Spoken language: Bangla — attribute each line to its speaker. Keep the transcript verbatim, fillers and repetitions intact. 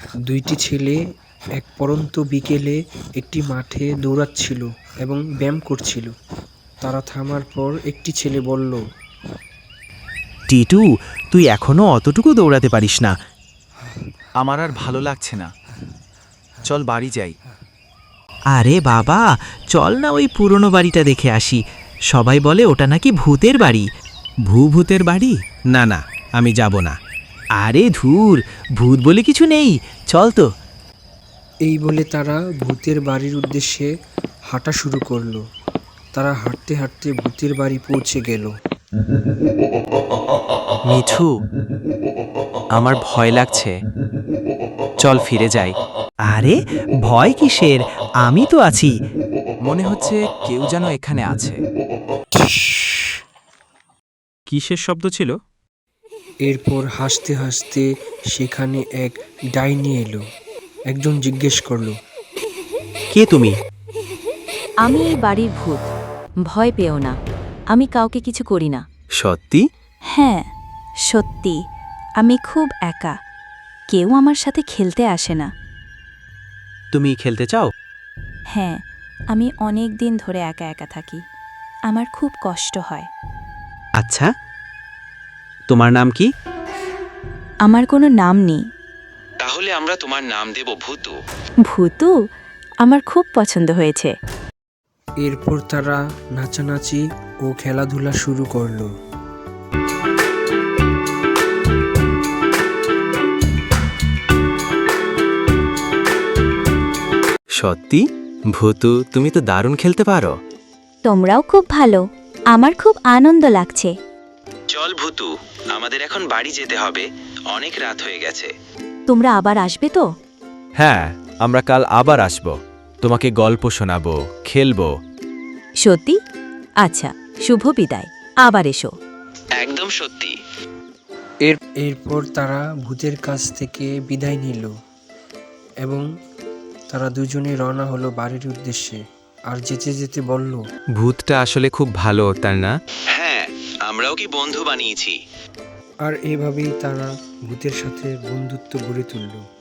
Speaker 1: দুইটি ছেলে এক পড়ন্ত বিকেলে একটি মাঠে দৌড়াচ্ছিল এবং ব্যায়াম করছিল। তারা থামার পর একটি ছেলে বলল,
Speaker 2: টিটু, তুই এখনো অতটুকু দৌড়াতে পারিস না।
Speaker 3: আমার আর ভালো লাগছে না, চল বাড়ি যাই।
Speaker 2: আরে বাবা, চল না ওই পুরনো বাড়িটা দেখে আসি। সবাই বলে ওটা নাকি ভূতের বাড়ি। ভূ ভূতের বাড়ি? না না, আমি যাব না। আরে ধুর, ভূত বলে কিছু নেই, চল তো।
Speaker 1: এই বলে তারা ভূতের বাড়ির উদ্দেশ্যে হাঁটা শুরু করলো। তারা হাঁটতে হাঁটতে ভূতের বাড়ি পৌঁছে গেল।
Speaker 3: মিঠু, আমার ভয় লাগছে, চল ফিরে যাই।
Speaker 2: আরে ভয় কিসের, আমি তো আছি।
Speaker 3: মনে হচ্ছে কেউ যেন এখানে আছে। কিসের শব্দ ছিল?
Speaker 1: এরপর হাসতে হাসতে সেখানে এক ডাইনি এলো। একজন জিজ্ঞেস করলো,
Speaker 2: কে তুমি?
Speaker 4: আমি এই বাড়ির ভূত, ভয় পেও না, আমি কাউকে কিছু করি না।
Speaker 3: সত্যি?
Speaker 4: হ্যাঁ সত্যি, আমি খুব একা, কেউ আমার সাথে খেলতে আসে না।
Speaker 2: তুমি খেলতে চাও?
Speaker 4: হ্যাঁ, আমি অনেক দিন ধরে একা একা থাকি, আমার খুব কষ্ট হয়।
Speaker 2: আচ্ছা, তোমার নাম কি?
Speaker 4: আমার কোনো নাম নেই।
Speaker 5: তাহলে আমরা তোমার নাম দেব ভূতু।
Speaker 4: ভূতু আমার খুব পছন্দ হয়েছে।
Speaker 1: এরপর তারা নাচানাচি ও খেলাধুলা শুরু করলো।
Speaker 3: সত্যি? ভূতু, তুমি তো দারুণ খেলতে পারো।
Speaker 4: তোমরাও খুব ভালো, আমার খুব আনন্দ লাগছে।
Speaker 5: চল ভূতু, আমাদের এখন বাড়ি যেতে হবে, অনেক রাত হয়ে গেছে।
Speaker 4: তোমরা আবার আসবে তো?
Speaker 3: হ্যাঁ, আমরা কাল আবার আসব, তোমাকে গল্প শোনাবো, খেলবো।
Speaker 4: সত্যি? আচ্ছা, শুভ বিদায়, আবার এসো।
Speaker 5: একদম সত্যি।
Speaker 1: এর এরপর তারা ভূতের কাছ থেকে বিদায় নিল এবং তারা দুজনে রওনা হলো বাড়ির উদ্দেশ্যে। আর যেতে যেতে বলল,
Speaker 3: ভূতটা আসলে খুব ভালো, তাই না?
Speaker 5: হ্যাঁ, আমরাও কি বন্ধু বানিয়েছি।
Speaker 1: আর এভাবেই তারা ভূতের সাথে বন্ধুত্ব গড়ে তুলল।